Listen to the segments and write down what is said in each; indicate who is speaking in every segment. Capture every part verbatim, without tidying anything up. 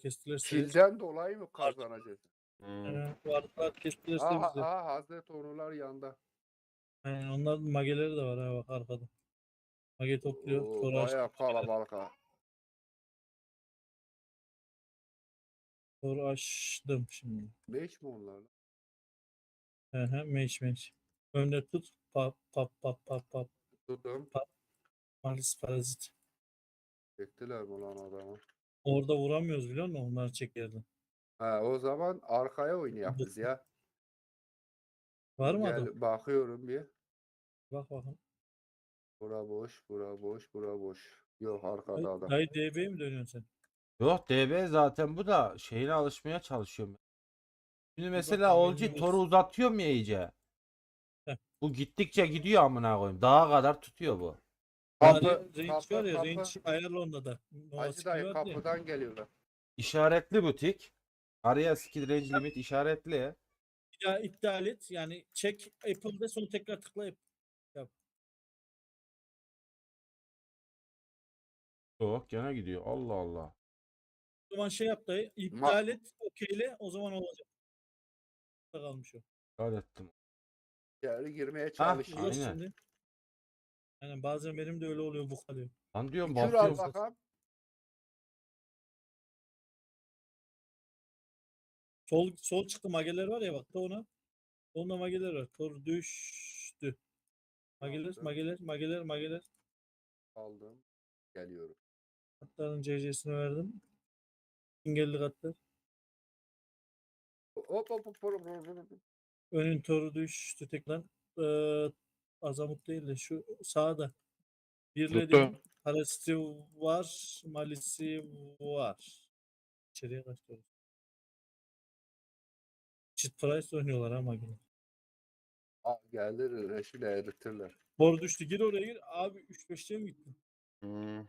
Speaker 1: kestiler.
Speaker 2: Kilden dolayı mı kazanacağız?
Speaker 3: Hmm.
Speaker 1: Ee, vardılar kestiler
Speaker 2: Aha,
Speaker 1: bizi.
Speaker 2: aha Hazreti Onular yanda.
Speaker 1: Yani onların mageleri de var ha bak arkada. Mage topluyor.
Speaker 2: Oo,
Speaker 1: Sonra
Speaker 2: bayağı
Speaker 1: açtım.
Speaker 2: kalabalık ha.
Speaker 1: Sonra açtım şimdi.
Speaker 2: Beş mi onlar? lan?
Speaker 1: Hı hı, meç meç. Önde tut. Pap pap pap pap pap.
Speaker 2: Tuttum.
Speaker 1: Malis parazit.
Speaker 2: Çektiler mi lan adamı?
Speaker 1: Orada vuramıyoruz biliyor musun? Onlar çekerdi.
Speaker 2: Ha, o zaman arkaya oynayak biz ya.
Speaker 1: Var mı adam?
Speaker 2: Gel bakıyorum bir.
Speaker 1: Bak bakın.
Speaker 2: Bura boş, bura boş, bura boş. Yok arkada adam.
Speaker 1: Dayı D B'ye mi dönüyorsun sen?
Speaker 3: Yok D B zaten bu da şeyine alışmaya çalışıyorum. Şimdi mesela
Speaker 1: bakayım,
Speaker 3: Olcu
Speaker 1: elini
Speaker 3: toru uzatıyorum ya iyice.
Speaker 1: Heh.
Speaker 3: Bu gittikçe gidiyor amına koyayım. Dağa kadar tutuyor bu.
Speaker 2: Kapı,
Speaker 1: range
Speaker 2: kapı,
Speaker 1: var ya,
Speaker 2: kapı.
Speaker 1: range ayarlı onda da. Nova
Speaker 2: Hacı
Speaker 1: skill
Speaker 2: dayı
Speaker 1: vardı ya.
Speaker 2: kapıdan geliyorlar.
Speaker 3: İşaretli butik. Araya skill range limit işaretli.
Speaker 1: Ya iptal et. Yani çek Apple'da sonra tekrar tıkla yap. yap.
Speaker 3: Yok gene gidiyor. Allah Allah.
Speaker 1: O zaman şey yap dayı. İptal et. Okeyle. O zaman olacak. Kalmış o.
Speaker 3: Öğrettim.
Speaker 2: İçeri girmeye
Speaker 3: Ah,
Speaker 2: çalışıyor.
Speaker 1: Yok
Speaker 3: aynen.
Speaker 1: şimdi. Yani bazen benim de öyle oluyor bu kalıyor.
Speaker 3: Lan diyorum
Speaker 2: Bir kür al
Speaker 3: basıyorum.
Speaker 2: bakalım.
Speaker 1: Sol sol çıktı mageler var ya bak da ona. Onda mageler var. Tor düştü. Mageler,
Speaker 2: Yaptım.
Speaker 1: mageler, mageler, mageler.
Speaker 2: Aldım. Geliyorum.
Speaker 1: Katların C C'sini verdim. Engelli katlar.
Speaker 2: Hop hop hop hop, hop, hop, hop.
Speaker 1: Önün toru düştü tekrar. Ee, Azamut değil de şu sağda. Birledim.
Speaker 4: Tuttu.
Speaker 1: Paraziti var. Malisi var. İçeriye kaçtı. Çift price oynuyorlar ha mageler.
Speaker 2: Aa, geldi reşile eritirler.
Speaker 1: Boru düştü. Gir oraya gir. Abi üç beşte mi gittin?
Speaker 4: Hmm.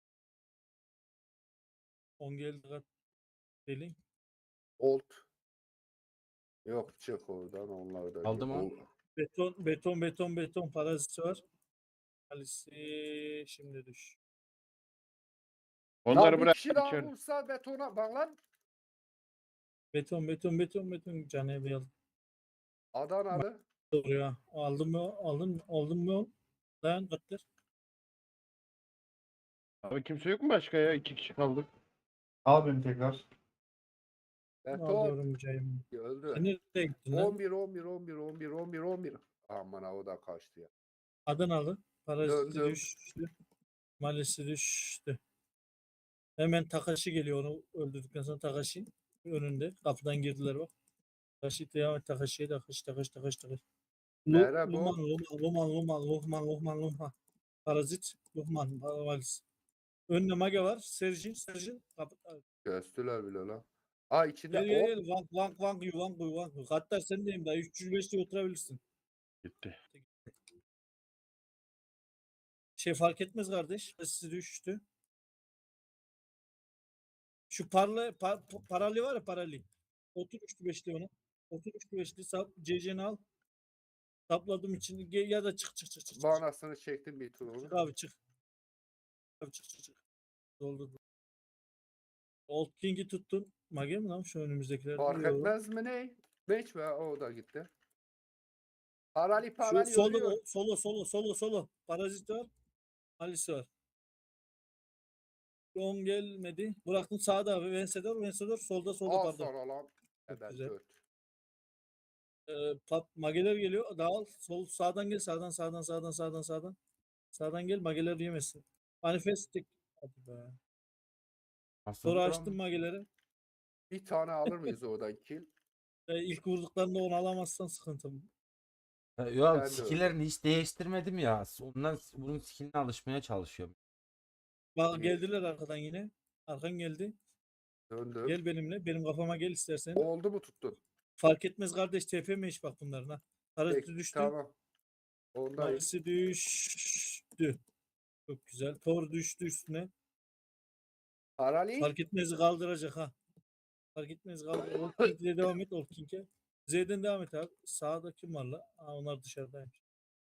Speaker 1: on geldi kat. Delin.
Speaker 2: Old. Yok çık oradan onlar da.
Speaker 3: Aldı mı?
Speaker 2: O-
Speaker 1: Beton, beton, beton, beton paraziti var. Malisi şimdi düş.
Speaker 4: Onları
Speaker 2: Lan bir
Speaker 4: bırak
Speaker 2: kişi daha
Speaker 4: içeri.
Speaker 2: vursa betona bak lan.
Speaker 1: Beton, beton, beton, beton. Canı bir aldım.
Speaker 2: Adanalı.
Speaker 1: Doğru ya. Aldın mı? Aldın mı? Aldın mı? Dayan katlar.
Speaker 4: Abi kimse yok mu başka ya? İki kişi kaldık.
Speaker 5: Al beni tekrar.
Speaker 2: Beton.
Speaker 1: Alıyorum mücahim.
Speaker 2: Öldü.
Speaker 1: Sen nereye gittin lan?
Speaker 2: on bir on bir on bir on bir on bir on bir. Aman ha o da kaçtı ya.
Speaker 1: Adanalı. Paraziti
Speaker 2: Döndüm.
Speaker 1: düştü. Malisi düştü. Hemen Takashi geliyor onu öldürdükten sonra Takashi önünde. Kapıdan girdiler bak. Takashi devam et. Takashi'ye Takashi Takashi Takashi Takashi. Lu-
Speaker 2: Nere bu?
Speaker 1: Luhman Luhman Luhman Luhman Luhman Luhman Luhman. Parazit Luhman Malis. Önüne Mage var. Serjin Serjin. Kapı.
Speaker 2: Göstüler bile lan. Aa içinde
Speaker 1: Gel gel
Speaker 2: o.
Speaker 1: gel. Vank vank vank yu vank yu vank yu. Hatta sen deyim daha üç yüz beşte oturabilirsin.
Speaker 4: Gitti.
Speaker 1: Şey fark etmez kardeş. Sizi düştü. Şu parla par, pa- parali var ya parali. Otur üçlü beşli ona. Otur üçlü beşli sap C C'ni al. Sapladım için Ge- ya da çık çık çık çık. çık.
Speaker 2: Banasını çektim bir tur
Speaker 1: Çık
Speaker 2: onu.
Speaker 1: abi çık. Abi çık çık çık. Doldur. Old King'i tuttun. Mage mi lan şu önümüzdekiler?
Speaker 2: Fark
Speaker 1: Yok.
Speaker 2: etmez mi ne? Beş ve o da gitti. Parali
Speaker 1: Şu
Speaker 2: parali
Speaker 1: solo,
Speaker 2: ölüyor.
Speaker 1: o- solo solo solo solo. Parazit var. Alice var. On gelmedi. Bıraktın sağda abi. Vensedor, Vensedor. Solda solda
Speaker 2: Al
Speaker 1: pardon.
Speaker 2: sana lan.
Speaker 1: Çok
Speaker 2: Evet
Speaker 1: güzel.
Speaker 2: dört.
Speaker 1: Ee, pap, mageler geliyor. Dağıl. Sol sağdan gel. Sağdan sağdan sağdan sağdan sağdan. Sağdan gel. Mageler yemesin. Manifestik. Hadi be.
Speaker 3: Nasıl
Speaker 1: Sonra
Speaker 3: vuran
Speaker 1: açtım
Speaker 3: mı?
Speaker 1: mageleri.
Speaker 2: Bir tane alır mıyız oradan kill?
Speaker 1: Ee, ilk vurduklarında onu alamazsan sıkıntı.
Speaker 3: Ha, Ya
Speaker 2: Ben de
Speaker 3: skill'lerini hiç değiştirmedim ya. Ondan bunun skill'ine alışmaya çalışıyorum.
Speaker 1: Bak
Speaker 2: İyi.
Speaker 1: geldiler arkadan yine. Arkan geldi.
Speaker 2: Döndüm.
Speaker 1: Gel benimle. Benim kafama gel istersen.
Speaker 2: Oldu mu tuttun?
Speaker 1: Fark etmez kardeş. T P mi iş bak bunların ha. Paraziti
Speaker 2: Peki,
Speaker 1: düştü.
Speaker 2: tamam. Ondayım.
Speaker 1: Malisi düştü. Çok güzel. Tor düştü üstüne.
Speaker 2: Parali.
Speaker 1: Fark etmez kaldıracak ha. Fark etmez kaldır. Old King'le devam et Old King'e. Z'den devam et abi. Sağda kim var la? Aa, onlar dışarıdaymış.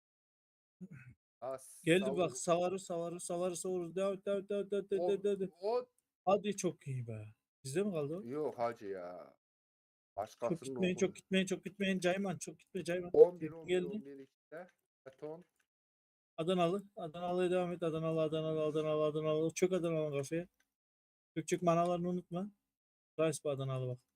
Speaker 2: As,
Speaker 1: Geldi
Speaker 2: savur.
Speaker 1: bak savarı savarı savarı savarı. Devam et devam et devam et. Devam et,
Speaker 2: O,
Speaker 1: devam et, devam et.
Speaker 2: o
Speaker 1: Hadi çok iyi be. Bizde mi kaldı o?
Speaker 2: Yok hacı ya.
Speaker 1: Çok
Speaker 2: Başkasının
Speaker 1: gitmeyin,
Speaker 2: okulu.
Speaker 1: çok gitmeyin, çok gitmeyin. Cayman, çok gitme Cayman.
Speaker 2: on bir
Speaker 1: Tekin
Speaker 2: on bir
Speaker 1: geldi.
Speaker 2: on bir işte. Beton.
Speaker 1: Adanalı. Adanalı'ya devam et. Adanalı, Adanalı, Adanalı, Adanalı. Çok Adanalı kafaya. Çok çok manalarını unutma. Rice bu Adanalı bak.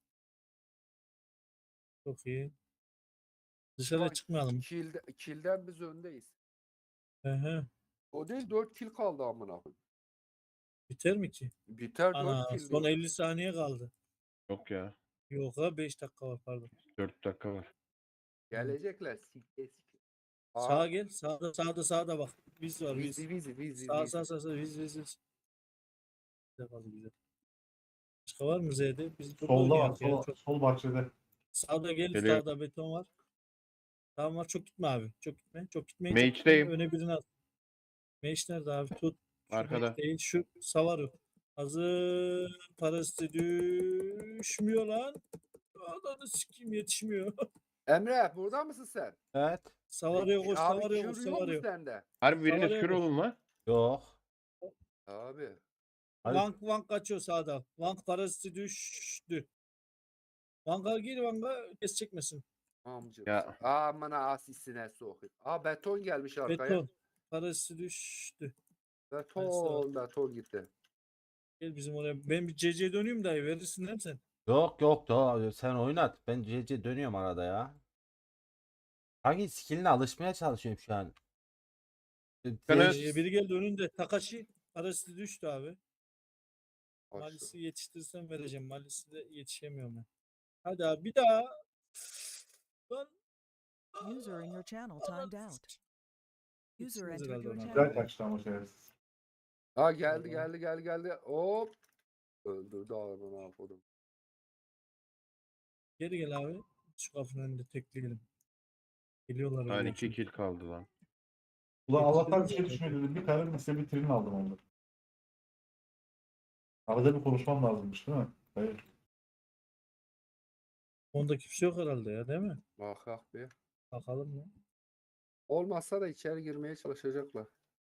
Speaker 1: Çok iyi. Dışarıya
Speaker 2: Bak,
Speaker 1: çıkmayalım.
Speaker 2: Kilde, kilden biz öndeyiz.
Speaker 1: Hı hı.
Speaker 2: O değil dört kill kaldı amına koyayım.
Speaker 1: Biter mi ki?
Speaker 2: Biter
Speaker 1: Ana
Speaker 2: dört kill
Speaker 1: son
Speaker 2: diyor.
Speaker 1: elli saniye kaldı.
Speaker 4: Yok ya.
Speaker 1: Yok ha beş dakika var pardon.
Speaker 4: dört dakika var.
Speaker 2: Gelecekler sikte sikte.
Speaker 1: Sağa gel. Sağda sağda sağda bak. Biz var biz.
Speaker 2: Vizi vizi vizi
Speaker 1: Sağ
Speaker 2: vizi.
Speaker 1: sağ sağ sağ biz biz biz. Güzel kaldı güzel. Başka var mı Z'de? Biz burada
Speaker 5: Solda var.
Speaker 1: oynayak ya.
Speaker 5: Sol,
Speaker 1: Çok.
Speaker 5: sol bahçede.
Speaker 1: Sağda gel.
Speaker 4: Geliyor.
Speaker 1: Sağda beton var. Tamam var. Çok gitme abi. Çok gitme. Çok gitmeyin.
Speaker 4: Mage'deyim.
Speaker 1: Çok gitmeyin. Öne birini al. Mage nerede abi? Tut. Şu
Speaker 4: Arkada.
Speaker 1: Mage değil. Şu savar yok. Hazır. Parası düşmüyor lan. Adamı sikeyim yetişmiyor.
Speaker 2: Emre burada mısın sen?
Speaker 3: Evet.
Speaker 1: Savarıyor koş.
Speaker 2: Abi
Speaker 1: Savarıyor koş.
Speaker 2: kür yok mu
Speaker 1: Savarıyor.
Speaker 2: sende?
Speaker 4: Harbi biriniz
Speaker 1: Savarıyor
Speaker 4: kür
Speaker 1: koş.
Speaker 4: olun lan.
Speaker 3: Yok.
Speaker 2: Abi.
Speaker 3: Hadi.
Speaker 1: Vank Vank kaçıyor sağda. Vank parası düştü. Vanka gir Vanka kes çekmesin.
Speaker 2: Amcım.
Speaker 4: Ya.
Speaker 2: Aman asisine sokayım. Aa beton gelmiş arkaya.
Speaker 1: Beton. Parası düştü.
Speaker 2: Beton beton gitti.
Speaker 1: Gel bizim oraya. Ben bir C C'ye döneyim dayı. Verirsin değil mi sen?
Speaker 3: Yok yok da sen oynat. Ben C C dönüyorum arada ya. Hangi skilline alışmaya çalışıyorum şu an.
Speaker 4: Evet.
Speaker 1: Ee, biri geldi önünde. Takashi. Parası düştü abi.
Speaker 2: Bak şu.
Speaker 1: Malis'i yetiştirsem vereceğim. Malis'i de yetişemiyorum ben. Hadi abi bir daha. Lan.
Speaker 6: User in your channel timed out. User
Speaker 1: Yetişmez
Speaker 6: entered
Speaker 1: herhalde
Speaker 6: your
Speaker 1: ona.
Speaker 6: channel.
Speaker 5: Güzel kaçtı ama şerefsiz.
Speaker 2: Ha geldi
Speaker 1: Tamam.
Speaker 2: geldi geldi geldi. Hop. Öldürdü adamı ne yapalım.
Speaker 1: Geri gel abi. Şu kapının önünde tekleyelim. Geliyorlar
Speaker 4: Lan
Speaker 1: öyle
Speaker 4: iki
Speaker 1: çünkü.
Speaker 4: kill kaldı lan.
Speaker 5: Ulan
Speaker 1: Yetişti
Speaker 5: Allah'tan
Speaker 1: mi
Speaker 5: bir şey
Speaker 1: zaten?
Speaker 5: düşmedi dedim. Bir tane lise bitirini aldım onu. Arada bir konuşmam lazımmış değil mi? Hayır.
Speaker 1: Onda kimse yok herhalde ya değil mi?
Speaker 2: Bak bak bir.
Speaker 1: Bakalım mı?
Speaker 2: Olmazsa da içeri girmeye çalışacaklar.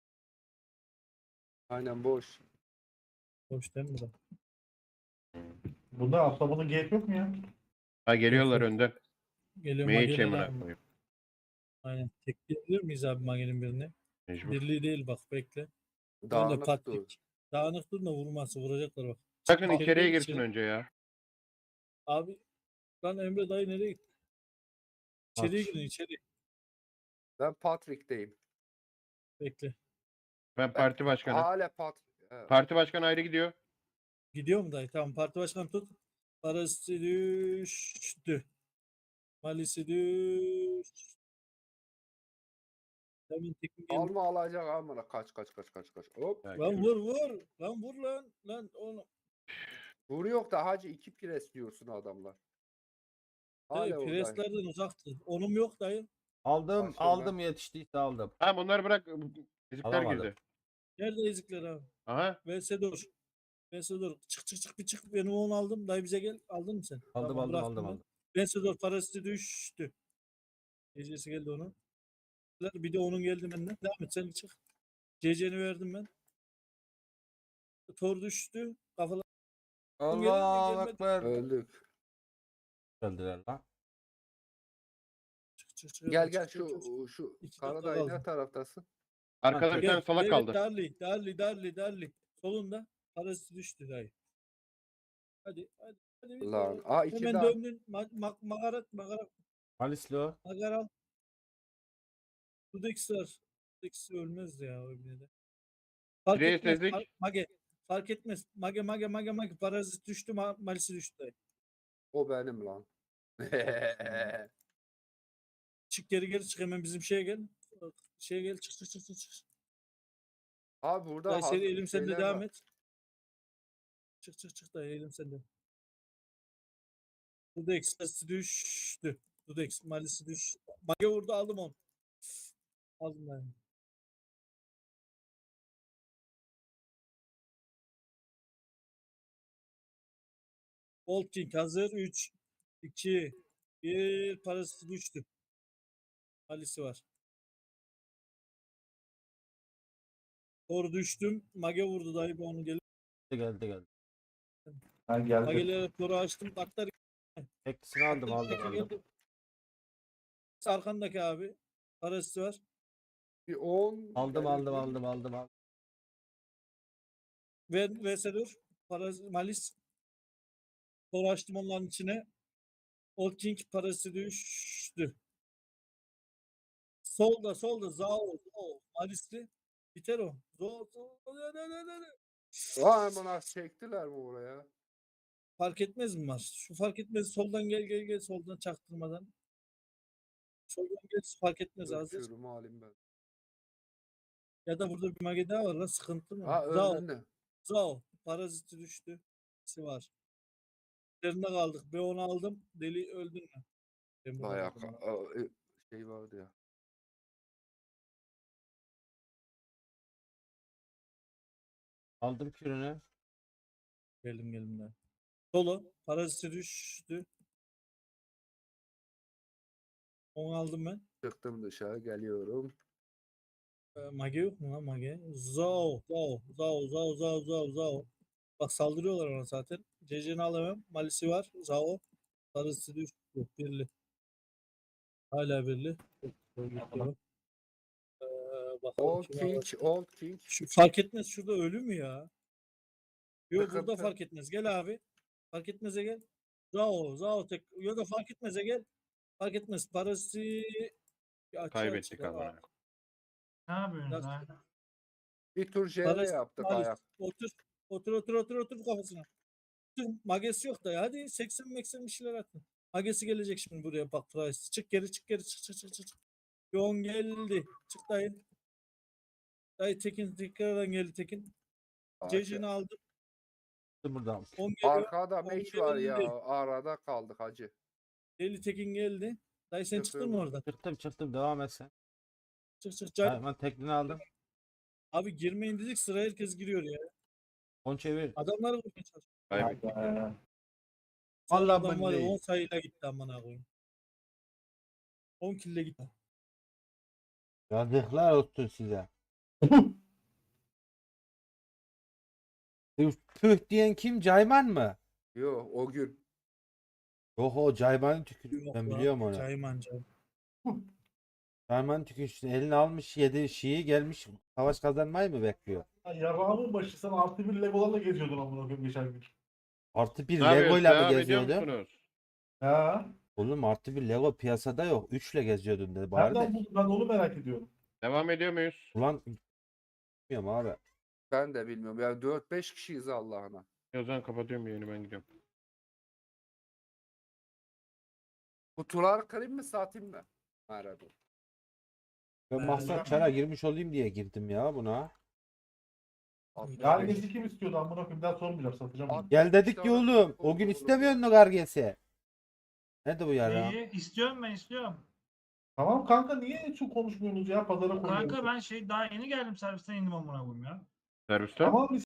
Speaker 2: Aynen boş.
Speaker 1: Hoş değil mi bu da?
Speaker 5: Bunda atlamanın gate yok mu ya?
Speaker 4: Ha geliyorlar
Speaker 1: yok.
Speaker 4: önden.
Speaker 1: Geliyor
Speaker 4: Mage
Speaker 1: Mage'ler
Speaker 4: amına
Speaker 1: abi.
Speaker 4: koyayım.
Speaker 1: Aynen. Tekleyebilir miyiz abi Mage'nin birini?
Speaker 4: Mecbur.
Speaker 1: Birliği değil bak bekle. Önde
Speaker 2: Dağınık dur.
Speaker 1: Patrik. Dağınık dur da vurması vuracaklar bak.
Speaker 4: Sakın
Speaker 1: İçeri
Speaker 4: içeriye
Speaker 1: gel,
Speaker 4: girsin
Speaker 1: içeri.
Speaker 4: önce ya.
Speaker 1: Abi lan Emre dayı nereye gitti? İçeriye
Speaker 3: Aç.
Speaker 1: girin içeri.
Speaker 2: Ben Patrick'teyim.
Speaker 1: Bekle.
Speaker 4: Ben parti başkanı.
Speaker 2: Hala Patrick. Evet.
Speaker 4: Parti başkanı ayrı gidiyor.
Speaker 1: Gidiyor mu dayı? Tamam parti başkanı tut. Parası düştü. Malisi düştü. Hemen tekin geldi.
Speaker 2: Alma alacak amına. Kaç kaç kaç kaç kaç. Hop.
Speaker 4: Ya,
Speaker 1: Lan
Speaker 4: gel.
Speaker 1: vur vur. Lan vur lan. Lan onu.
Speaker 2: Vuruyor da hacı iki pres diyorsun adamlar. Hala
Speaker 1: Dayı
Speaker 2: orada.
Speaker 1: preslerden uzaktı. Onum yok dayı.
Speaker 3: Aldım
Speaker 2: Başka
Speaker 3: aldım yetiştiyse aldım.
Speaker 4: Ha bunları bırak. Bizimkiler
Speaker 3: Alamadım.
Speaker 4: girdi.
Speaker 1: Nerede ezikler abi?
Speaker 4: Aha.
Speaker 1: Vesedor. Vesedor. Çık çık çık bir çık. Benim onu aldım. Dayı bize gel. Aldın mı sen?
Speaker 3: Aldım
Speaker 1: Tamam,
Speaker 3: aldım
Speaker 1: bıraktım
Speaker 3: aldım
Speaker 1: ben.
Speaker 3: aldım.
Speaker 1: Vesedor parası düştü. Gecesi geldi onun. Bir de onun geldi benden. Devam et sen bir çık. C C'ni verdim ben. Tor düştü. Kafalar gelir mi,
Speaker 3: Allahu
Speaker 1: gelmedi.
Speaker 3: Ekber.
Speaker 2: Öldük.
Speaker 3: Öldüler lan.
Speaker 1: çık çık çık.
Speaker 2: Gel
Speaker 1: çık,
Speaker 2: gel
Speaker 1: çık,
Speaker 2: şu
Speaker 1: çık.
Speaker 2: şu
Speaker 1: İki
Speaker 2: Karadağ
Speaker 1: dakika
Speaker 2: ne
Speaker 1: kaldı.
Speaker 2: taraftasın?
Speaker 4: Arkada bir
Speaker 1: Gel,
Speaker 4: tane salak
Speaker 1: gel,
Speaker 4: kaldı.
Speaker 1: Darli, Darli, Darli, Darli. Solunda. Parası düştü dayı. Hadi, hadi, hadi. bir
Speaker 2: Lan.
Speaker 1: daha.
Speaker 2: Aa iki
Speaker 1: Hemen
Speaker 2: daha.
Speaker 1: döndün. Ma ma magarat, magarat,
Speaker 3: Malisli o.
Speaker 1: magaral. Dudexler. Dudex ölmez ya öyle de. Fark
Speaker 4: Direğe
Speaker 1: etmez.
Speaker 4: sezdik.
Speaker 1: Fark, mage. Fark etmez. Mage, mage, mage, mage. Parazit düştü, ma malisi düştü dayı.
Speaker 2: O benim lan.
Speaker 1: Çık geri geri çık hemen bizim şeye gel. Şeye gel çık çık çık çık. çık.
Speaker 2: Abi burada
Speaker 1: Dayı seni
Speaker 2: hazır
Speaker 1: elim sende
Speaker 2: şeyler
Speaker 1: devam
Speaker 2: var.
Speaker 1: et. Çık çık çık dayı elim sende. Dudex sesi düştü. Dudex malisi düştü. Mage vurdu aldım onu. Aldım ben. Old King hazır. üç, iki, bir parası düştü. Malisi var. Doğru düştüm. Mage vurdu dayı bu onu gelip.
Speaker 3: Geldi geldi.
Speaker 5: Ben geldim.
Speaker 1: Mageleri koru açtım. Kartlar
Speaker 3: Etkisini aldım aldım
Speaker 1: Peki,
Speaker 3: aldım.
Speaker 1: geldi. Arkandaki abi. Parası var.
Speaker 2: Bir on.
Speaker 3: Aldım
Speaker 2: geldi.
Speaker 3: aldım aldım aldım aldım.
Speaker 1: Ve Veselur. Parası Malis. Koru açtım onların içine. Old King parası düştü. Solda solda Zao. Zao. Malisli. Biter o. Zao. Zao. Ne, ne, ne, ne, ne.
Speaker 2: Vay aman çektiler mi oraya?
Speaker 1: Fark etmez mi var? Şu fark etmez. Soldan gel gel gel. Soldan çaktırmadan. Soldan gel. Fark etmez hazır.
Speaker 2: Ölçüyorum alayım ben.
Speaker 1: Ya da burada bir mage daha var lan. Sıkıntı mı?
Speaker 2: Ha
Speaker 1: Zao.
Speaker 2: önünde.
Speaker 1: Zao. Paraziti düştü. İkisi var. Üzerinde kaldık. Ben onu aldım. Deli öldün mü? Ben bunu
Speaker 2: Bayağı
Speaker 1: aldım
Speaker 2: ka-
Speaker 1: lan.
Speaker 2: a- e, şey vardı ya.
Speaker 3: Aldım kürünü.
Speaker 1: Geldim geldim de. Solo. Paraziti düştü. Onu aldım ben.
Speaker 2: Çıktım dışarı geliyorum.
Speaker 1: Ee, mage yok mu lan mage? Zao. Zao. Zao. Zao. Zao. Zao. Zao. Bak saldırıyorlar ona zaten. C C'ni alamam. Malisi var. Zao. Paraziti düştü. Birli. Hala birli. Gidiyorum. Ee, bakalım
Speaker 2: Old
Speaker 1: kim
Speaker 2: King,
Speaker 1: alacak.
Speaker 2: Old King.
Speaker 1: Şu fark etmez. Şurada ölü mü ya? Yok burada
Speaker 2: Sıkıntı.
Speaker 1: fark etmez. Gel abi. Fark etmez'e gel. Zao. Zao tek. Yok da fark etmez'e gel. Fark etmez. Parası bir açığa
Speaker 4: Kaybettik
Speaker 1: çıkar.
Speaker 4: abi.
Speaker 1: Aa,
Speaker 5: Ne yapıyorsunuz
Speaker 1: Nasıl?
Speaker 5: lan?
Speaker 2: Bir tur J V
Speaker 1: Parası
Speaker 2: yaptık
Speaker 1: Malis.
Speaker 2: ayak.
Speaker 1: Otur. Otur otur otur otur kafasına. Otur. Magesi yok da ya. Hadi seksen meksen bir şeyler atın. Magesi gelecek şimdi buraya bak Price. Çık geri çık geri çık çık çık çık. çık. Yoğun geldi. Çık dayı. Dayı Tekin tekrardan geldi Tekin. C C'ni aldım.
Speaker 3: Buradan.
Speaker 1: on geliyor.
Speaker 2: Arkada
Speaker 1: on
Speaker 2: meç var ya.
Speaker 1: geldi.
Speaker 2: Arada kaldık hacı.
Speaker 1: Deli Tekin geldi. Dayı sen çıktın mı
Speaker 2: Çıkıyorum.
Speaker 1: oradan?
Speaker 3: Çıktım çıktım devam et sen.
Speaker 1: Çık çık can.
Speaker 3: Hayvan teklini aldım.
Speaker 1: Abi girmeyin dedik sıra herkes giriyor ya.
Speaker 3: On çevir.
Speaker 1: Adamları vurmaya çalışıyor.
Speaker 4: Kaybettik.
Speaker 5: Ee,
Speaker 1: Son
Speaker 3: Allah
Speaker 1: adam var ya
Speaker 3: billahi.
Speaker 1: on sayıyla gitti amına koyayım. on kille gitti.
Speaker 3: Yazıklar olsun size. Tüh, tüh diyen kim? Cayman mı?
Speaker 2: Yo o gün.
Speaker 3: Yok o Cayman'ın tükürüğü.
Speaker 1: Yok
Speaker 3: Ben
Speaker 1: lan,
Speaker 3: biliyorum onu.
Speaker 1: Cayman Cayman.
Speaker 3: Cayman'ın tükürüğü elini almış yedi şiyi gelmiş savaş kazanmayı mı bekliyor?
Speaker 5: yarrağımın başı sen artı bir legolarla geziyordun amına koyayım geçen gün.
Speaker 3: Artı bir
Speaker 4: Ne yapıyorsunuz?
Speaker 3: Lego'yla mı
Speaker 4: Devam ediyor
Speaker 3: geziyordu?
Speaker 4: musunuz?
Speaker 5: Ha?
Speaker 3: Oğlum artı bir Lego piyasada yok. Üçle geziyordun dedi bari
Speaker 5: Nereden
Speaker 3: de.
Speaker 5: buldun? Ben onu merak ediyorum.
Speaker 4: Devam ediyor muyuz?
Speaker 3: Ulan bilmiyorum abi.
Speaker 2: Ben de bilmiyorum. Ya dört beş kişiyiz Allah'ına.
Speaker 4: O zaman kapatıyorum yayını ben gidiyorum.
Speaker 2: Kutular kırayım mı satayım mı? Merhaba.
Speaker 3: Ben
Speaker 1: Ee,
Speaker 3: maksat çara girmiş olayım diye girdim ya buna.
Speaker 5: Gargesi kim istiyordu amına koyayım? Bir daha sormayacağım, satacağım bunu.
Speaker 3: Gel dedik ya oğlum. O gün istemiyorsun o gargesi. Nerede bu yara?
Speaker 7: Neyi? İstiyorum ben istiyorum.
Speaker 5: Tamam kanka niye çok konuşmuyorsunuz ya? Pazara koyuyoruz.
Speaker 7: Kanka ben şey daha yeni geldim servisten indim amına koyayım ya.
Speaker 4: Serviste?
Speaker 5: Tamam